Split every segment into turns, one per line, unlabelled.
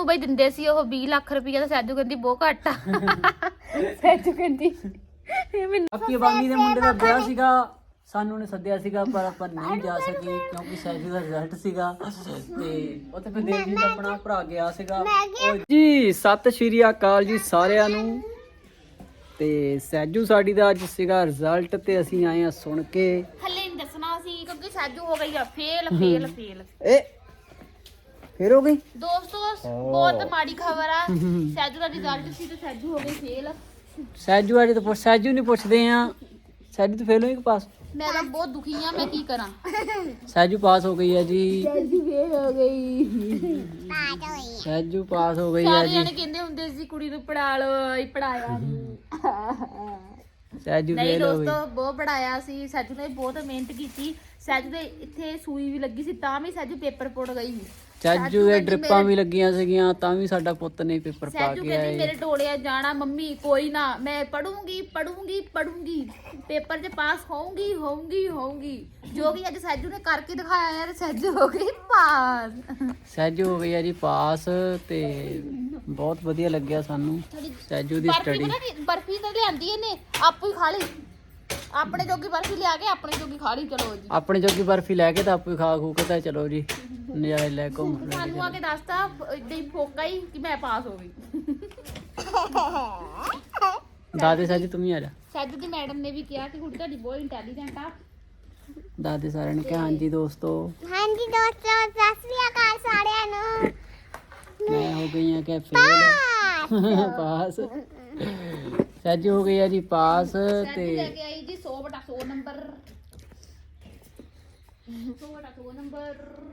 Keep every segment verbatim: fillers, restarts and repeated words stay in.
ਬਈ ਦਿੰਦੇ ਸੀ ਉਹ ਵੀਹ ਲੱਖ ਰੁਪਈਆ ਤਾਂ ਸੈਜੂ ਕਹਿੰਦੀ ਬਹੁਤ ਘੱਟ ਆ ਸੈਜੂ ਕਹਿੰਦੀ ਮੈਨੂੰ
ਅੱਕੀ ਬਾਨੀ ਦੇ ਮੁੰਡੇ ਦਾ ਵਿਆਹ ਸੀਗਾ, ਸਾਨੂੰ ਨੇ ਸੱਦਿਆ ਸੀਗਾ ਪਰ ਆਪਾਂ ਨਹੀਂ ਜਾ ਸਕੇ ਕਿਉਂਕਿ ਸੈਜੂ ਦਾ ਰਿਜ਼ਲਟ ਸੀਗਾ ਤੇ ਉੱਥੇ ਫਿਰ ਦੇਵ ਜੀ ਦਾ ਆਪਣਾ ਭਰਾ ਗਿਆ ਸੀਗਾ। ਜੀ ਸਤਿ ਸ਼੍ਰੀ ਅਕਾਲ ਜੀ ਸਾਰਿਆਂ ਨੂੰ। ਤੇ ਸੈਜੂ ਸਾਡੀ ਦਾ ਅੱਜ ਸੀਗਾ ਰਿਜ਼ਲਟ ਤੇ ਅਸੀਂ ਆਏ ਆ ਸੁਣ ਕੇ।
ਹਲੇ ਨਹੀਂ ਦੱਸਣਾ ਸੀ ਕਿਉਂਕਿ ਸੈਜੂ ਹੋ ਗਈ ਆ ਫੇਲ ਫੇਲ ਫੇਲ
ਏ ਫੇਰ ਹੋ ਗਈ
ਦੋਸਤੋ, ਬਹੁਤ ਮਾੜੀ ਖਬਰ ਆ। ਸੈਜੂ ਦਾ ਰਿਜ਼ਲਟ ਸੀ ਤੇ ਸੈਜੂ ਹੋ ਗਈ ਫੇਲ।
ਸੈਜੂ ਅੱਜ ਤਾਂ ਪੁੱਛ ਸੈਜੂ ਨਹੀਂ ਪੁੱਛਦੇ ਆ, ਸੈਜੂ ਤਾਂ ਫੇਲ ਹੋਈ ਕਿ ਪਾਸ?
ਮੈਂ ਤਾਂ ਬਹੁਤ ਦੁਖੀ ਆ, ਮੈਂ ਕੀ ਕਰਾਂ।
ਸੈਜੂ ਪਾਸ ਹੋ ਗਈ ਹੈ ਜੀ।
ਸੈਜੂ ਫੇਲ ਹੋ ਗਈ।
ਸੈਜੂ ਪਾਸ ਹੋ ਗਈ ਹੈ
ਸਾਰੇ
ਜੀ।
ਜਣੇ ਕਹਿੰਦੇ ਹੁੰਦੇ ਸੀ ਕੁੜੀ ਨੂੰ ਪੜਾ ਲਓ, ਇਹ ਪੜਾਇਆ ਨਹੀਂ।
ਸੈਜੂ
ਨਹੀਂ
ਫੇਲ ਹੋ ਗਈ।
ਦੋਸਤੋ, ਬਹੁਤ ਪੜਾਇਆ ਸੀ ਸੈਜੂ ਨੇ, ਬਹੁਤ ਮਿਹਨਤ ਕੀਤੀ। ਸੈਜੂ ਦੇ ਇੱਥੇ ਸੂਈ ਵੀ ਲੱਗੀ ਸੀ ਤਾਂ ਵੀ ਸੈਜੂ ਪੇਪਰ ਪੁੱਟ ਗਈ ਸੀ।
ਸੈਜੂ ਦੇ ਡ੍ਰਿਪਾਂ ਵੀ ਲੱਗੀਆਂ ਸੀਗੀਆਂ ਤਾਂ ਵੀ ਸਾਡਾ ਪੁੱਤ ਨੇ ਪੇਪਰ ਪਾ
ਸੈਜੂ
ਕੇ
ਕਹਿੰਦੀ
ਆਏ।
ਮੇਰੇ ਡੋਲਿਆ ਜਾਣਾ ਮੰਮੀ, ਕੋਈ ਨਾ ਮੈਂ ਪੜੂੰਗੀ ਪੜੂੰਗੀ ਪੜੂੰਗੀ, ਪੇਪਰ 'ਚ ਪਾਸ ਹੋਊਂਗੀ ਹੋਊਂਗੀ ਹੋਊਂਗੀ। ਜੋ ਕਿ ਅੱਜ ਸੈਜੂ ਨੇ ਕਰਕੇ ਦਿਖਾਇਆ ਯਾਰ, ਸੈਜੂ ਹੋ ਗਈ ਪਾਸ।
ਸੈਜੂ ਹੋ ਗਈ ਆ ਜੀ ਪਾਸ ਤੇ ਬਹੁਤ ਵਧੀਆ ਲੱਗਿਆ ਸਾਨੂੰ ਸੈਜੂ ਦੀ
ਬਰਫੀ
ਸਟੱਡੀ।
ਪਤਾ ਕੀ, ਬਰਫੀ ਤਾਂ ਲਿਆਂਦੀ ਇਹਨੇ ਆਪੂ ਹੀ ਖਾ ਲਈ। ਆਪਣੇ ਜੋਗੀ ਬਰਫੀ ਲਿਆ ਕੇ ਆਪਣੇ ਜੋਗੀ ਖਾ ਲਈ। ਚਲੋ ਜੀ,
ਆਪਣੇ ਜੋਗੀ ਬਰਫੀ ਲੈ ਕੇ ਤਾਂ ਆਪੇ ਖਾ ਖੂ ਕੇ ਤਾਂ ਚਲੋ ਜੀ ਨਜ਼ਾਰੇ ਲੈ ਘੁੰਮ ਫਿਰ ਕੇ
ਸਾਨੂੰ ਆ ਕੇ ਦੱਸਤਾ ਏਦਾਂ ਹੀ ਫੋਕਾ ਹੀ ਕਿ ਮੈਂ ਪਾਸ ਹੋ ਗਈ।
ਦਾਦੇ ਸੈਜੂ ਤੂੰ ਵੀ ਆ ਜਾ।
ਸੈਜੂ ਦੀ ਮੈਡਮ ਨੇ ਵੀ ਕਿਹਾ ਕਿ ਕੁੜੀ ਤੁਹਾਡੀ ਬਹੁਤ ਇੰਟੈਲੀਜੈਂਟ ਆ।
ਦਾਦੇ ਸਾਰਿਆਂ ਨੇ ਕਿਹਾ ਹਾਂਜੀ ਦੋਸਤੋ।
ਹਾਂਜੀ ਦੋਸਤੋ, ਸਤਿ ਸ੍ਰੀ ਅਕਾਲ ਸਾਰਿਆਂ ਨੂੰ।
ਮੈਂ ਹੋ ਗਈ ਆ ਕਿ ਫੇਲ ਪਾਸ। ਸੈਜੂ ਹੋ ਗਈ ਆ ਜੀ ਪਾਸ
ਸੈਜੂ
ਤੇ
ਲੈ ਕੇ ਆਈ ਜੀ ਸੌ ਬਟਾ ਸੌ ਨੰਬਰ। ਸੌ ਬਟਾ ਸੌ ਨੰਬਰ।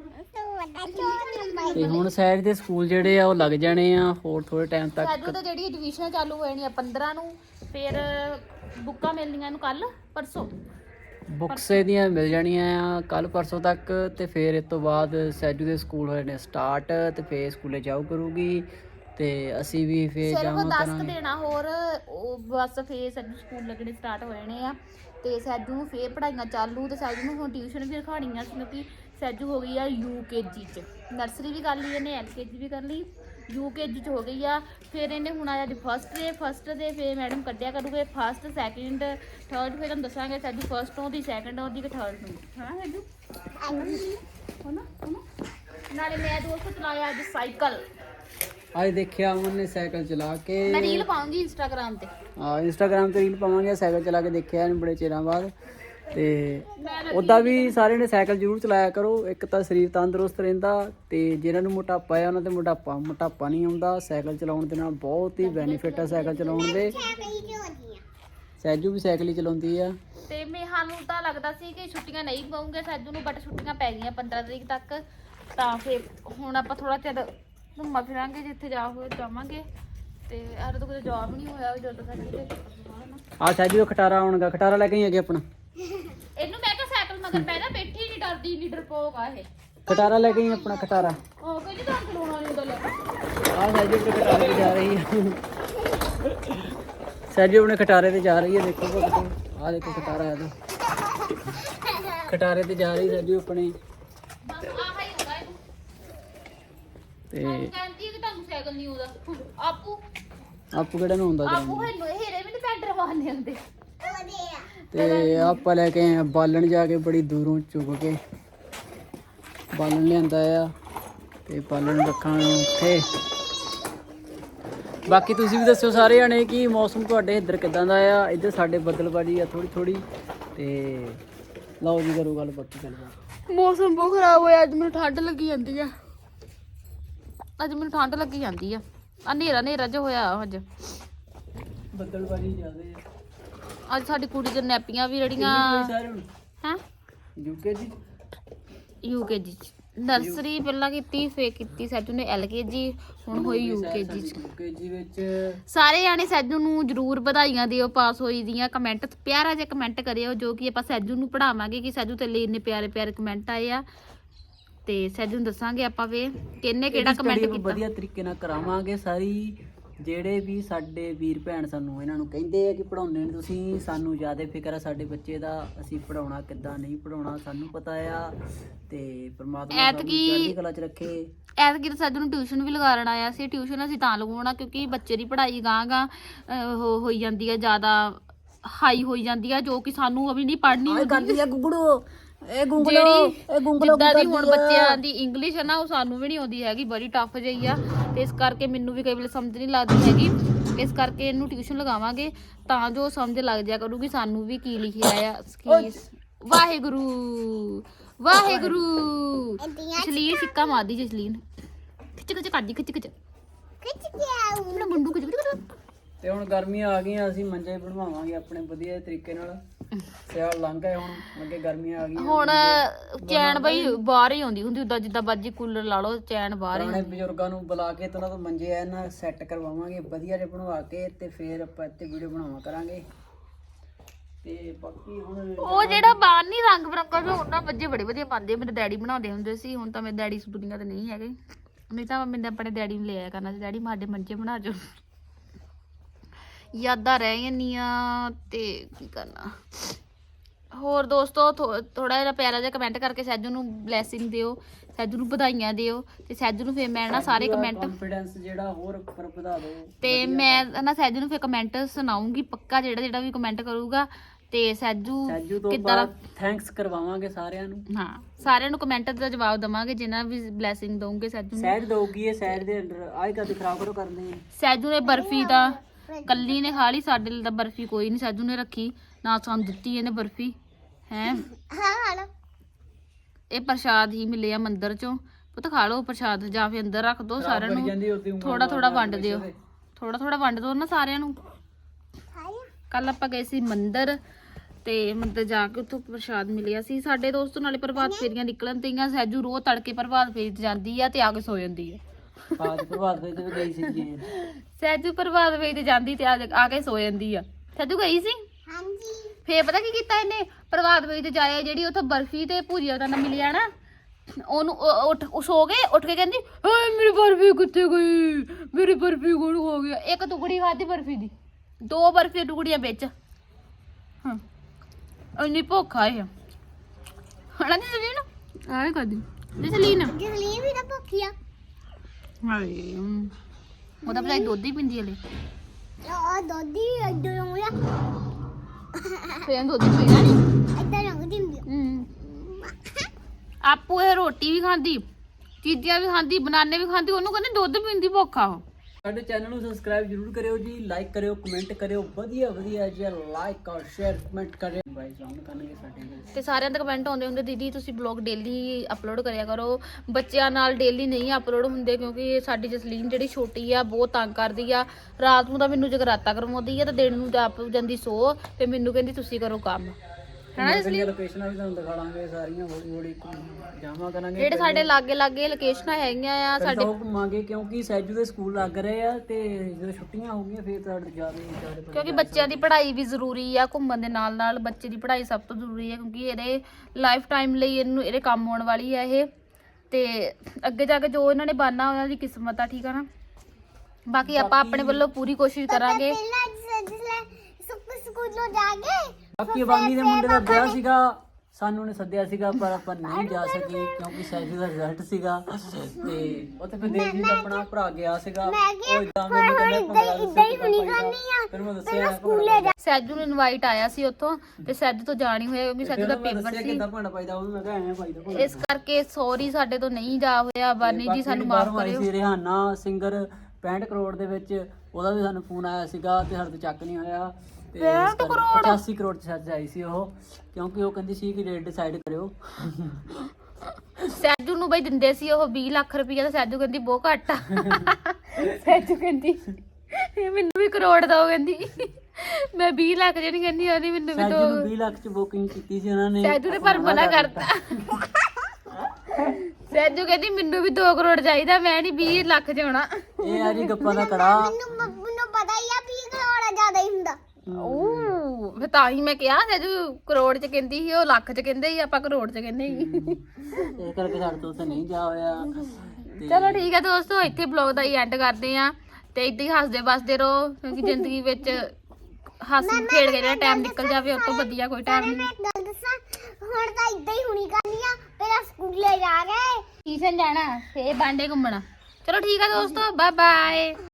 ਤੇ ਹੁਣ ਸੈਜ ਦੇ ਸਕੂਲ ਜਿਹੜੇ ਆ ਉਹ ਲੱਗ ਜਾਣੇ ਆ ਹੋਰ ਥੋੜੇ ਟਾਈਮ ਤੱਕ।
ਸੈਜੂ ਤੇ ਜਿਹੜੀ ਐਡਮਿਸ਼ਨ ਚਾਲੂ ਹੋ ਜਾਣੀ ਆ ਪੰਦਰਾਂ ਨੂੰ, ਫਿਰ ਬੁੱਕਾਂ ਮਿਲਣੀਆਂ ਇਹਨੂੰ ਕੱਲ ਪਰਸੋਂ।
ਬੁੱਕਸ ਇਹਦੀਆਂ ਮਿਲ ਜਾਣੀਆਂ ਆ ਕੱਲ ਪਰਸੋਂ ਤੱਕ ਤੇ ਫਿਰ ਇਸ ਤੋਂ ਬਾਅਦ ਸੈਜੂ ਦੇ ਸਕੂਲ ਹੋਏ ਨੇ ਸਟਾਰਟ ਤੇ ਫਿਰ ਸਕੂਲੇ ਜਾਊ ਕਰੂਗੀ ਤੇ ਅਸੀਂ ਵੀ ਫਿਰ
ਸਿਰਫ
ਜਾਵਾਂ
ਦਸ ਕੁ
ਕਰਾਂਗੇ।
ਦੇਣਾ ਹੋਰ ਉਹ ਬਸ ਫੇਰ ਸੈਜੂ ਸਕੂਲ ਲੱਗਣੇ ਸਟਾਰਟ ਹੋ ਜਾਣੇ ਆ ਤੇ ਸੈਜੂ ਨੂੰ ਫੇਰ ਪੜ੍ਹਾਈਆਂ ਚਾਲੂ ਤੇ ਸੈਜੂ ਨੂੰ ਹੁਣ ਟਿਊਸ਼ਨ ਵੀ ਰਖਾਉਣੀਆਂ ਸੀ ਕਿਉਂਕਿ ਸੈਜੂ ਹੋ ਗਈ ਆ ਯੂ ਕੇ ਜੀ 'ਚ। ਨਰਸਰੀ ਵੀ ਕਰ ਲਈ ਇਹਨੇ, ਐਲ ਕੇ ਜੀ ਵੀ ਕਰ ਲਈ, ਯੂ ਕੇ ਜੀ 'ਚ ਹੋ ਗਈ ਆ। ਫਿਰ ਇਹਨੇ ਹੁਣ ਆ ਜੀ ਫਸਟ ਦੇ ਫਸਟ ਦੇ ਫਿਰ ਮੈਡਮ ਕੱਢਿਆ ਕਰੂਗੇ ਫਸਟ ਸੈਕਿੰਡ ਥਰਡ। ਫਿਰ ਤੁਹਾਨੂੰ ਦੱਸਾਂਗੇ ਸੈਜੂ ਫਸਟ ਆਉਂਦੀ ਸੈਕਿੰਡ ਆਉਂਦੀ ਕਿ ਥਰਡ ਨੂੰ। ਹਾਂ ਸੈਜੂ ਹੋ ਨਾ ਹੋ ਨਾ। ਨਾਲੇ ਮੈਂ ਦੋਸਤ ਚਲਾਇਆ ਅੱਜ ਸਾਈਕਲ।
ਅੱਜ ਦੇਖਿਆ ਅਮਨ ਨੇ ਸਾਈਕਲ ਚਲਾ ਕੇ।
ਮੈਂ ਰੀਲ ਪਾਉਂਗੀ ਇੰਸਟਾਗ੍ਰਾਮ ਤੇ।
ਹਾਂ ਇੰਸਟਾਗ੍ਰਾਮ ਤੇ ਰੀਲ ਪਾਵਾਂਗੇ ਸਾਈਕਲ ਚਲਾ ਕੇ ਦੇਖਿਆ ਇਹਨੂੰ ਬੜੇ ਚਿਰਾਂ ਬਾਅਦ। ਤੇ ਉੱਦਾਂ ਵੀ ਸਾਰਿਆਂ ਨੇ ਸਾਈਕਲ ਜ਼ਰੂਰ ਚਲਾਇਆ ਕਰੋ, ਇੱਕ ਤਾਂ ਸਰੀਰ ਤੰਦਰੁਸਤ ਰਹਿੰਦਾ ਤੇ ਜਿਹਨਾਂ ਨੂੰ ਮੋਟਾਪਾ ਆ ਉਹਨਾਂ ਤੇ ਮੋਟਾਪਾ ਮੋਟਾਪਾ ਨਹੀਂ ਆਉਂਦਾ। ਸਾਈਕਲ ਚਲਾਉਣ ਦੇ ਨਾਲ ਬਹੁਤ ਹੀ ਬੈਨੀਫਿਟ ਆ ਸਾਈਕਲ ਚਲਾਉਣ ਦੇ। ਸੈਜੂ ਵੀ ਸਾਈਕਲ ਹੀ ਚਲਾਉਂਦੀ ਆ।
ਤੇ ਮੈਂ ਸਾਨੂੰ ਤਾਂ ਲੱਗਦਾ ਸੀ ਕਿ ਛੁੱਟੀਆਂ ਨਹੀਂ ਪਾਉਂਗੇ ਸੈਜੂ ਨੂੰ, ਬਟ ਛੁੱਟੀਆਂ ਪੈ ਗਈਆਂ ਪੰਦਰਾਂ ਤਰੀਕ ਤੱਕ। ਤਾਂ ਫਿਰ ਹੁਣ ਆਪਾਂ ਥੋੜਾ ਚਿਰ ਘੁੰਮਾ ਫਿਰਾਂਗੇ, ਜਿੱਥੇ ਜਾ ਹੋਏ ਜਾਵਾਂਗੇ। ਤੇ ਯਾਰ ਤਾਂ ਕੋਈ ਜੌਬ ਨਹੀਂ ਹੋਇਆ ਜਦੋਂ ਤੱਕ ਤੇ
ਆ ਸੈਜੂ ਦਾ ਖਟਾਰਾ ਆਉਣਗਾ, ਖਟਾਰਾ ਲੈ ਕੇ ਹੀ ਅੱਗੇ ਆਪਣਾ।
ਇਹਨੂੰ ਮੈਂ ਕਿਹਾ ਸਾਈਕਲ ਮਗਰ ਪੈ ਜਾ, ਬੈਠੀ ਨਹੀਂ ਡਰਦੀ ਨਹੀਂ ਡਰਪੋਕ ਆ ਇਹ।
ਖਟਾਰਾ ਲੈ ਕੇ ਹੀ ਆਪਣਾ ਖਟਾਰਾ।
ਉਹ ਕਹਿੰਦੀ ਤੁਹਾਨੂੰ ਚਲਾਉਣਾ ਨਹੀਂ ਹੁੰਦਾ ਲੈ।
ਆ ਸੈਜੂ ਆਪਣੇ ਖਟਾਰੇ ਤੇ ਜਾ ਰਹੀ ਹੈ। ਸੈਜੂ ਆਪਣੇ ਖਟਾਰੇ ਤੇ ਜਾ ਰਹੀ ਹੈ, ਦੇਖੋ ਭਗਤੋ ਆ ਦੇਖੋ ਖਟਾਰਾ ਇਹਦਾ। ਖਟਾਰੇ ਤੇ ਜਾ ਰਹੀ ਸੈਜੂ ਆਪਣੇ।
ਬਸ ਆਹ ਹੀ ਹੁੰਦਾ ਇਹਨੂੰ।
ਤੇ
ਕਹਿੰਦੀ ਕਿ ਤੁਹਾਨੂੰ ਸਾਈਕਲ ਨਹੀਂ ਆਉਂਦਾ। ਆਪੂ
ਆਪੂ ਕਿਹੜਾ ਨੂੰ ਹੁੰਦਾ
ਆਪੂ ਹੈ ਹੀਰੇ ਵੀ ਨਹੀਂ ਪੈਂਡਰ ਵਾਹਨੇ ਹੁੰਦੇ।
ਤੇ ਆਪਾਂ ਲੈ ਕੇ ਆਏ ਆ ਬਾਲਣ, ਜਾ ਕੇ ਬੜੀ ਦੂਰੋਂ ਚੁੱਕ ਕੇ ਬਾਲਣ ਲਿਆਂਦਾ ਆ ਤੇ ਬਾਲਣ ਰੱਖਾਂਗੇ ਉੱਥੇ। ਬਾਕੀ ਤੁਸੀਂ ਵੀ ਦੱਸਿਓ ਸਾਰੇ ਜਣੇ ਕਿ ਮੌਸਮ ਤੁਹਾਡੇ ਇੱਧਰ ਕਿਦਾਂ ਦਾ ਆ। ਇੱਧਰ ਸਾਡੇ ਬੱਦਲਬਾਜੀ ਆ ਥੋੜੀ ਥੋੜੀ। ਤੇ ਲਓ ਜੀ ਕਰੋ ਗੱਲ ਬਾਕੀ ਗੱਲਬਾਤ।
ਮੌਸਮ ਬਹੁਤ ਖਰਾਬ ਹੋਇਆ ਅੱਜ, ਮੈਨੂੰ ਠੰਡ ਲੱਗੀ ਜਾਂਦੀ ਆ। ਅੱਜ ਮੈਨੂੰ ਠੰਡ ਲੱਗੀ ਜਾਂਦੀ ਆ। ਆ ਹਨੇਰਾ ਹਨੇਰਾ ਜਿਹਾ ਹੋਇਆ ਅੱਜ।
ਬੱਦਲਬਾਜੀ ਜ਼ਿਆਦੇ ਆ
ਅੱਜ ਸਾਡੀ ਕੁੜੀ ਦੇ ਨੈਪੀਆਂ ਵੀ ਰੜੀਆਂ ਹੈ
ਯੂਕੇ ਜੀ
ਯੂਕੇ ਜੀ ਨਰਸਰੀ ਪਹਿਲਾਂ ਕੀਤੀ, ਫੇਰ ਕੀਤੀ ਸੈਜੂ ਨੇ ਐਲ ਕੇ ਜੀ, ਹੁਣ ਹੋਈ ਯੂਕੇ ਜੀ।
ਯੂਕੇ ਜੀ ਵਿੱਚ
ਸਾਰੇ ਜਾਣੇ ਸੈਜੂ ਨੂੰ ਜਰੂਰ ਵਧਾਈਆਂ ਦਿਓ ਪਾਸ ਹੋਈ ਦੀਆਂ। ਕਮੈਂਟ ਪਿਆਰਾ ਜਿਹਾ ਕਮੈਂਟ ਕਰਿਓ ਜੋ ਕਿ ਆਪਾਂ ਸੈਜੂ ਨੂੰ ਪੜਾਵਾਂਗੇ ਕਿ ਸੈਜੂ ਤੇ ਲਈ ਇੰਨੇ ਪਿਆਰੇ ਪਿਆਰੇ ਕਮੈਂਟ ਆਏ ਆ ਤੇ ਸੈਜੂ ਨੂੰ ਦੱਸਾਂਗੇ ਆਪਾਂ ਵੇ ਕਿੰਨੇ ਕਿਹੜਾ ਕਮੈਂਟ ਕੀਤਾ।
ਵਧੀਆ ਤਰੀਕੇ ਨਾਲ ਕਰਾਵਾਂਗੇ ਸਾਰੀ ਜਿਹੜੇ ਵੀ ਸਾਡੇ ਵੀਰ ਭੈਣ ਸਾਨੂੰ ਇਹਨਾਂ ਨੂੰ ਕਹਿੰਦੇ ਆ ਕਿ ਪੜਾਉਂਦੇ ਨੇ ਤੁਸੀਂ, ਸਾਨੂੰ ਜ਼ਿਆਦਾ ਫਿਕਰ ਆ ਸਾਡੇ ਬੱਚੇ ਦਾ, ਅਸੀਂ ਪੜਾਉਣਾ ਕਿੱਦਾਂ ਨਹੀਂ ਪੜਾਉਣਾ ਸਾਨੂੰ ਪਤਾ ਆ। ਤੇ ਪ੍ਰਮਾਤਮਾ ਸਾਨੂੰ
ਐਤਕੀ-
ਚੜ੍ਹਦੀ ਕਲਾ 'ਚ ਰੱਖੇ।
ਐਤਕੀ ਤਾਂ ਸੈਜੂ ਨੂੰ ਟਿਊਸ਼ਨ ਵੀ ਲਗਾ ਲੈਣਾ ਆਇਆ ਸੀ। ਟਿਊਸ਼ਨ ਅਸੀਂ ਤਾਂ ਲਗਾਉਣਾ ਕਿਉਂਕਿ ਬੱਚੇ ਦੀ ਪੜ੍ਹਾਈ ਗਾਂ ਗਾਂ ਉਹ ਹੋਈ ਜਾਂਦੀ ਹੈ, ਜ਼ਿਆਦਾ ਹਾਈ ਹੋਈ ਜਾਂਦੀ ਹੈ, ਜੋ ਕਿ ਸਾਨੂੰ ਅਭੀ ਨਹੀਂ ਪੜ੍ਹਨੀ
ਆਏ
ਹੁੰਦੀ।
ਕਰਦੀ ਆ ਗੁੰਗੜੋ, ਇਹ ਗੁੰਗਲੋ,
ਜਿਹੜੀ
ਇਹ ਗੁੰਗਲੋ
ਜਿੱਦਾਂ ਦੀ ਹੁਣ ਬੱਚਿਆਂ ਦੀ ਇੰਗਲਿਸ਼ ਹੈ ਨਾ, ਉਹ ਸਾਨੂੰ ਵੀ ਨਹੀਂ ਆਉਂਦੀ ਹੈਗੀ, ਬੜੀ ਟਫ ਜਿਹੀ ਆ। ਤੇ ਇਸ ਕਰਕੇ ਮੈਨੂੰ ਵੀ ਕਈ ਵੇਲੇ ਸਮਝ ਨਹੀਂ ਲੱਗਦੀ ਹੈਗੀ। ਇਸ ਕਰਕੇ ਇਹਨੂੰ ਟਿਊਸ਼ਨ ਲਗਾਵਾਂਗੇ ਤਾਂ ਜੋ ਸਮਝ ਲੱਗ ਜਾਇਆ ਕਰੂਗੀ ਸਾਨੂੰ ਵੀ ਕੀ ਲਿਖਿਆ ਆ। ਕੀ ਵਾਹਿਗੁਰੂ ਵਾਹਿਗੁਰੂ। ਜਸਲੀਨ ਸਿੱਕਾ ਮਾਰਦੀ, ਜਸਲੀਨ ਖਿੱਚ ਖਿੱਚ ਕਰਦੀ, ਖਿੱਚ ਖਿੱਚ
ਖਿੱਚ ਗਿਆ
ਆਪਣਾ ਮੁੰਡੂ ਖਿੱਚ ਖਿੱਚ।
ਤੇ ਹੁਣ ਗਰਮੀਆਂ ਆ ਗਈਆਂ, ਅਸੀਂ ਮੰਜੇ ਬਣਵਾਵਾਂਗੇ ਆਪਣੇ ਵਧੀਆ ਤਰੀਕੇ ਨਾਲ। ਸਿਆਲ ਲੰਘ ਗਏ, ਹੁਣ ਅੱਗੇ ਗਰਮੀਆਂ ਆ ਗਈਆਂ।
ਹੁਣ ਚੈਨ ਬਈ ਬਾਹਰ ਹੀ ਆਉਂਦੀ ਹੁੰਦੀ, ਉਦਾਂ ਜਿੱਦਾਂ ਬਾਜੀ ਕੂਲਰ ਲਾ ਲਓ, ਚੈਨ ਬਾਹਰ ਹੀ।
ਪੁਰਾਣੇ ਬਜ਼ੁਰਗਾਂ ਨੂੰ ਬੁਲਾ ਕੇ ਤੇ ਉਹਨਾਂ ਤੋਂ ਮੰਜੇ ਐ ਨਾ ਸੈੱਟ ਕਰਵਾਵਾਂਗੇ ਵਧੀਆ ਜਿਹੇ ਬਣਵਾ ਕੇ, ਤੇ ਫਿਰ ਆਪਾਂ ਇੱਥੇ ਵੀਡੀਓ ਬਣਾਵਾ ਕਰਾਂਗੇ। ਤੇ ਬਾਕੀ ਹੁਣ
ਉਹ ਜਿਹੜਾ ਬਾਹਰ ਨਹੀਂ ਰੰਗ ਬਰੰਗਾ ਜਿਹਾ ਉਹਨਾਂ ਬੱਜੇ ਬੜੇ ਵਧੀਆ ਪਾਉਂਦੇ, ਮੇਰੇ ਡੈਡੀ ਬਣਾਉਂਦੇ ਹੁੰਦੇ ਸੀ। ਹੁਣ ਤਾਂ ਮੇਰੇ ਡੈਡੀ ਇਸ ਦੁਨੀਆ ਤੇ ਨਹੀਂ ਹੈਗੇ, ਨਹੀਂ ਤਾਂ ਮੈਂ ਆਪਣੇ ਡੈਡੀ ਨੂੰ ਲੈ ਆਇਆ ਕਰਨਾ ਸੀ, ਡੈਡੀ ਸਾਡੇ ਮੰਜੇ ਬਣਾ ਜੋ। ਯਾਦਾਂ ਰਹਿ ਜਾਂਦੀਆਂ ਤੇ ਕੀ ਕਰਨਾ। ਹੋਰ ਦੋਸਤੋ ਥੋੜਾ ਜਿਹਾ ਪਿਆਰਾ ਜਿਹਾ ਕਮੈਂਟ ਕਰਕੇ ਸੈਜੂ ਨੂੰ ਬਲੇਸਿੰਗ ਦਿਓ, ਸੈਜੂ ਨੂੰ ਵਧਾਈਆਂ ਦਿਓ, ਤੇ ਸੈਜੂ ਨੂੰ ਫਿਰ ਮੈਂ ਨਾ ਸਾਰੇ ਕਮੈਂਟ
ਕੰਫੀਡੈਂਸ ਜਿਹੜਾ ਹੋਰ ਉੱਪਰ ਵਧਾ ਦਿਓ।
ਤੇ ਮੈਂ ਨਾ ਸੈਜੂ ਨੂੰ ਫਿਰ ਕਮੈਂਟ ਸੁਣਾਉਂਗੀ ਪੱਕਾ, ਜਿਹੜਾ ਜਿਹੜਾ ਵੀ ਕਮੈਂਟ ਕਰੂਗਾ। ਤੇ ਸੈਜੂ
ਸੈਜੂ ਤੋਂ
ਕਿੱਦਾਂ ਦਾ,
ਬਾਅਦ ਥੈਂਕਸ ਕਰਵਾਵਾਂਗੇ ਸਾਰਿਆਂ ਨੂੰ।
ਹਾਂ ਸਾਰਿਆਂ ਨੂੰ ਕਮੈਂਟ ਦਾ ਜਵਾਬ ਦਵਾਂਗੇ, ਜਿਨ੍ਹਾਂ ਵੀ ਬਲੇਸਿੰਗ ਦਊਂਗੇ ਸੈਜੂ ਨੂੰ।
ਸੈਰ ਦਊਗੀ, ਇਹ ਸੈਰ ਦੇ ਅੰਡਰ ਆਏ ਕਦੇ ਖਰਾਬ ਕਰੋ ਕਰਦੇ ਆ।
ਸੈਜੂ ਨੇ ਬਰਫੀ ਤਾਂ ਕੱਲੀ ਨੇ ਖਾ ਲਈ, ਸਾਡੇ ਲਈ ਤਾਂ ਬਰਫੀ ਕੋਈ ਨਹੀਂ ਸੈਜੂ ਨੇ ਰੱਖੀ, ਨਾ ਸਾਨੂੰ ਦਿੱਤੀ ਇਹਨੇ ਬਰਫੀ ਹੈ।
ਹਾਂ ਹਾਂ
ਇਹ ਪ੍ਰਸ਼ਾਦ ਹੀ ਮਿਲੇ ਆ ਮੰਦਿਰ ਚੋਂ, ਪੁੱਤ ਖਾ ਲਓ ਪ੍ਰਸ਼ਾਦ, ਜਾਂ ਫਿਰ ਅੰਦਰ ਰੱਖ ਦੋ ਸਾਰਿਆਂ ਨੂੰ, ਥੋੜਾ ਥੋੜਾ ਵੰਡ ਦਿਓ, ਥੋੜਾ ਥੋੜਾ ਵੰਡ ਦਿਓ ਨਾ ਸਾਰਿਆਂ ਨੂੰ। ਕੱਲ ਆਪਾਂ ਗਏ ਸੀ ਮੰਦਿਰ, ਤੇ ਮੰਦਿਰ ਜਾ ਕੇ ਉੱਥੋਂ ਪ੍ਰਸ਼ਾਦ ਮਿਲਿਆ ਸੀ ਸਾਡੇ ਦੋਸਤੋਂ। ਨਾਲੇ ਪ੍ਰਭਾਤ ਫੇਰੀਆਂ ਨਿਕਲਣ ਤੀਆਂ, ਸੈਜੂ ਰੋਜ਼ ਤੜਕੇ ਪ੍ਰਭਾਤ ਫੇਰੀ ਤੇ ਜਾਂਦੀ ਆ ਤੇ ਆ ਕੇ ਸੋ ਜਾਂਦੀ ਆ।
ਆਜ ਪ੍ਰਭਾਤ ਫੇਰੀ ਤੇ ਗਈ ਸੀ ਜੀ।
ਸੈਜੂ ਪ੍ਰਭਾਤ ਫੇਰੀ ਤੇ ਜਾਂਦੀ ਤੇ ਆ ਕੇ ਸੋ ਜਾਂਦੀ ਆ। ਸੈਜੂ ਗਈ ਸੀ,
ਹਾਂਜੀ।
ਫੇਰ ਪਤਾ ਕੀ ਕੀਤਾ ਇਹਨੇ, ਪ੍ਰਭਾਤ ਫੇਰੀ ਤੇ ਜਾਇਆ, ਜਿਹੜੀ ਉੱਥੇ ਬਰਫੀ ਤੇ ਭੁਜੀਆ ਦਾ ਨਾ ਮਿਲਿਆ ਨਾ, ਉਹਨੂੰ ਉਹ ਉੱਠ ਉਹ ਸੋ ਗਏ, ਉੱਠ ਕੇ ਕਹਿੰਦੀ ਹਾਏ ਮੇਰੀ ਬਰਫੀ ਕਿੱਥੇ ਗਈ, ਮੇਰੀ ਬਰਫੀ ਗੁੜ ਹੋ ਗਿਆ। ਇੱਕ ਟੁਕੜੀ ਖਾਧੀ ਬਰਫੀ ਦੀ, ਦੋ ਬਰਫੀ ਦੀਆਂ ਟੁਕੜੀਆਂ ਵਿੱਚ। ਹਾਂ ਇੰਨੀ ਭੁੱਖ ਆਈ ਆ ਹਣਾ ਦੀ ਜਲੀਨ ਆਏ ਖਾਦੀ ਜਲੀਨ
ਜਸਲੀਨ ਵੀ ਤਾਂ ਭੁੱਖੀ ਆ।
ਹਾਏ ਉਹਦਾ ਭਲਾ ਦੁੱਧ ਹੀ ਪਿੰਦੀ ਹਲੇ,
ਉਹ ਦੋਦੀ ਇੱਧਰ ਨੂੰ ਆ,
ਫੇਰ ਦੁੱਧ ਪੀਣਾ ਨਹੀਂ।
ਇੱਧਰ ਨੂੰ ਦਿੰਦੀ
ਹੂੰ ਆਪੂ ਇਹ ਰੋਟੀ ਵੀ ਖਾਂਦੀ, ਚੀਜ਼ਾਂ ਵੀ ਖਾਂਦੀ, ਬਨਾਨੇ ਵੀ ਖਾਂਦੀ, ਉਹਨੂੰ ਕਹਿੰਦੇ ਦੁੱਧ ਪੀਂਦੀ ਭੁੱਖਾ ਉਹ।
ਸਾਡੇ ਚੈਨਲ ਨੂੰ ਸਬਸਕ੍ਰਾਈਬ ਜ਼ਰੂਰ ਕਰਿਓ ਜੀ, ਲਾਈਕ ਕਰਿਓ, ਕਮੈਂਟ ਕਰਿਓ, ਵਧੀਆ ਵਧੀਆ ਜਿਹਾ ਲਾਈਕ ਔਰ ਸ਼ੇਅਰ ਕਮੈਂਟ ਕਰਿਓ। ਬਾਈ ਸਾਹਮਣੇ ਕਰਨਗੇ ਸਾਡੇ
ਤੇ ਸਾਰਿਆਂ ਦੇ ਕਮੈਂਟ ਆਉਂਦੇ ਹੁੰਦੇ ਦੀਦੀ ਤੁਸੀਂ ਬਲੌਗ ਡੇਲੀ ਅਪਲੋਡ ਕਰਿਆ ਕਰੋ। ਬੱਚਿਆਂ ਨਾਲ ਡੇਲੀ ਨਹੀਂ ਅਪਲੋਡ ਹੁੰਦੇ ਕਿਉਂਕਿ ਸਾਡੀ ਜਸਲੀਨ ਜਿਹੜੀ ਛੋਟੀ ਆ ਬਹੁਤ ਤੰਗ ਕਰਦੀ ਆ। ਰਾਤ ਨੂੰ ਤਾਂ ਮੈਨੂੰ ਜਗਰਾਤਾ ਕਰਵਾਉਂਦੀ ਆ ਤੇ ਦਿਨ ਨੂੰ ਆਪ ਜਾਂਦੀ ਸੋ, ਤੇ ਮੈਨੂੰ ਕਹਿੰਦੀ ਤੁਸੀਂ ਕਰੋ ਕੰਮ, ਹਨਾ ਜਸਲੀਨ।
ਲੋਕੇਸ਼ਨਾਂ ਵੀ ਤੁਹਾਨੂੰ ਦਿਖਾਵਾਂਗੇ ਸਾਰੀਆਂ, ਹੌਲੀ ਹੌਲੀ ਜਾਵਾਂ ਕਰਾਂਗੇ।
ਜਿਹੜੇ ਸਾਡੇ ਲਾਗੇ ਲਾਗੇ ਲੋਕੇਸ਼ਨਾਂ ਹੈਗੀਆਂ ਆ ਸਾਡੇ,
ਉਹ ਘੁੰਮਾਂਗੇ ਕਿਉਂਕਿ ਸੈਜੂ ਦੇ ਸਕੂਲ ਲੱਗ ਰਹੇ ਆ, ਤੇ ਜਦੋਂ ਛੁੱਟੀਆਂ ਹੋ ਗਈਆਂ ਫਿਰ ਤਾਂ ਜ਼ਿਆਦਾ ਜ਼ਿਆਦਾ
ਕਿਉਂਕਿ ਬੱਚਿਆਂ ਦੀ ਪੜ੍ਹਾਈ ਵੀ ਜ਼ਰੂਰੀ ਆ, ਘੁੰਮਣ ਦੇ ਨਾਲ ਨਾਲ ਬੱਚੇ ਦੀ ਪੜ੍ਹਾਈ ਸਭ ਤੋਂ ਜ਼ਰੂਰੀ ਹੈ ਕਿਉਂਕਿ ਇਹਦੇ ਲਾਈਫ ਟਾਈਮ ਲਈ ਇਹਨੂੰ ਇਹਦੇ ਕੰਮ ਆਉਣ ਵਾਲੀ ਆ ਇਹ, ਤੇ ਅੱਗੇ ਜਾ ਕੇ ਜੋ ਇਹਨਾਂ ਨੇ ਬਣਨਾ ਉਹਨਾਂ ਦੀ ਕਿਸਮਤ ਆ, ਠੀਕ ਆ ਨਾ। ਬਾਕੀ ਆਪਾਂ ਆਪਣੇ ਵੱਲੋਂ ਪੂਰੀ ਕੋਸ਼ਿਸ਼ ਕਰਾਂਗੇ।
ਪਹਿਲਾਂ ਸਕੂਲੋਂ ਜਾ ਕੇ
ਬਾਕੀ ਅਬਾਨੀ ਦੇ ਮੁੰਡੇ ਦਾ ਵਿਆਹ ਸੀਗਾ, ਸਾਨੂੰ ਨੇ ਸੱਦਿਆ ਸੀਗਾ ਪਰ ਆਪਾਂ ਨਹੀਂ ਜਾ ਸਕੇ ਕਿਉਂਕਿ ਸੈਜੂ ਦਾ ਰਿਜ਼ਲਟ ਸੀਗਾ, ਤੇ ਉੱਥੇ ਫਿਰ ਦੇਵ ਜੀ ਦਾ ਆਪਣਾ ਭਰਾ ਗਿਆ ਸੀਗਾ। ਉਹ ਇਦਾਂ ਮੈਨੂੰ ਕਹਿੰਦਾ
ਇਦਾਂ ਹੀ ਹੁਣੀ ਖਾਣੀ ਆ।
ਫਿਰ ਮੈਂ ਦੱਸਿਆ
ਸਕੂਲੇ ਜਾ
ਸੈਜੂ ਨੂੰ ਇਨਵਾਈਟ ਆਇਆ ਸੀ ਉੱਥੋਂ, ਤੇ ਸੈਜੂ ਤੋਂ ਜਾਣ ਹੀ ਹੋਇਆ ਕਿਉਂਕਿ ਸੈਜੂ ਦਾ ਪੇਪਰ ਸੀ,
ਕਿੱਦਾਂ ਭਾਂਡਾ ਪਾਈਦਾ ਉਹਨੂੰ ਮੈਂ ਕਿਹਾ ਐਵੇਂ ਪਾਈਦਾ ਭਾਂਡਾ।
ਇਸ ਕਰਕੇ ਸੌਰੀ ਸਾਡੇ ਤੋਂ ਨਹੀਂ ਜਾ ਹੋਇਆ। ਬਾਨੀ ਜੀ ਸਾਨੂੰ ਮਾਫ
ਬਾਹਰੋਂ ਆਈ
ਕਰਿਓ।
ਸੀ ਰਿਹਾਨਾ ਸਿੰਗਰ ਪੈਂਹਠ ਕਰੋੜ ਦੇ ਵਿੱਚ, ਉਹਦਾ ਵੀ ਸਾਨੂੰ ਫੋਨ ਆਇਆ ਸੀਗਾ ਤੇ ਸਾਡੇ ਤੋਂ ਚੱਕ ਨਹੀਂ ਹੋਇਆ। ਤੇ ਪਚਾਸੀ ਕਰੋੜ ਚ ਸੱਚ ਆਈ ਸੀ ਉਹ, ਕਿਉਂਕਿ ਉਹ ਕਹਿੰਦੀ ਸੀ ਕਿ ਰੇਟ ਡਿਸਾਈਡ ਕਰਿਓ।
ਸੈਜੂ ਨੂੰ ਬਈ ਦਿੰਦੇ ਸੀ ਉਹ ਵੀਹ ਲੱਖ ਰੁਪਈਆ, ਤੇ ਸੈਜੂ ਕਹਿੰਦੀ ਬਹੁਤ ਘੱਟ ਆ। ਸੈਜੂ ਕਹਿੰਦੀ ਇਹ ਮੈਨੂੰ ਵੀ ਕਰੋੜ ਦੋ, ਕਹਿੰਦੀ ਮੈਂ ਵੀਹ ਲੱਖ ਜਿਹੜੀ ਕਹਿੰਦੀ ਉਹਨੇ ਮੈਨੂੰ ਵੀ
ਸੈਜੂ
ਦੋ।
ਨੂੰ ਵੀਹ ਲੱਖ ਚ ਬੁਕਿੰਗ ਕੀਤੀ ਸੀ ਉਹਨਾਂ ਨੇ,
ਸੈਜੂ ਨੇ ਪਰ ਮਨਾ ਕਰਤਾ। ਸੈਜੂ ਕਹਿੰਦੀ ਮੈਨੂੰ ਵੀ ਦੋ ਕਰੋੜ ਚਾਹੀਦਾ, ਮੈਂ ਨਹੀਂ ਵੀਹ ਲੱਖ ਚ ਆਉਣਾ।
ਇਹ ਆ ਜੀ ਗੱਪਾਂ ਦਾ ਕੜਾ।
ਮੈਨੂੰ ਮੈਨੂੰ ਪਤਾ ਹੀ ਆ ਵੀਹ ਕਰੋੜ ਜ਼ਿਆਦਾ ਹੀ ਹੁੰਦਾ।
ਓ ਫਿਰ ਤਾਂ ਹੀ ਮੈਂ ਕਿਹਾ ਸੈਜੂ ਕਰੋੜ ਚ ਕਹਿੰਦੀ ਸੀ, ਉਹ ਲੱਖ ਚ ਕਹਿੰਦੇ ਸੀ, ਆਪਾਂ ਕਰੋੜ ਚ ਕਹਿੰਦੇ ਸੀ।
ਇਹ ਕਰਕੇ ਸਾਡੇ ਤੋਂ ਉੱਥੇ ਨਹੀਂ ਜਾ ਹੋਇਆ। ਤੇ
ਚਲੋ ਠੀਕ ਹੈ ਦੋਸਤੋ, ਇੱਥੇ ਬਲੌਗ ਦਾ ਹੀ ਐਂਡ ਕਰਦੇ ਆ। ਤੇ ਇਦਾਂ ਹੀ ਹੱਸਦੇ ਵਸਦੇ ਰਹੋ ਕਿਉਂਕਿ ਜ਼ਿੰਦਗੀ ਵਿੱਚ ਹੱਸ ਖੇਡ ਕੇ ਜਿਹੜਾ ਟਾਈਮ ਨਿਕਲ ਜਾਵੇ ਉਸ ਤੋਂ ਵਧੀਆ ਕੋਈ ਟਾਈਮ ਨਹੀਂ।
ਮੈਂ ਇੱਕ ਗੱਲ ਦੱਸਾਂ, ਹੁਣ ਤਾਂ ਇਦਾਂ ਹੀ ਹੁਣੀ ਕਰਨੀ ਆ, ਪਹਿਲਾਂ ਸਕੂਲੇ ਜਾ ਕੇ
ਟਿਊਸ਼ਨ ਜਾਣਾ ਫੇਰ ਬਾਂਡੇ ਘੁੰਮਣਾ। ਚਲੋ ਠੀਕ ਆ ਦੋਸਤੋ, ਬਾਏ ਬਾਏ।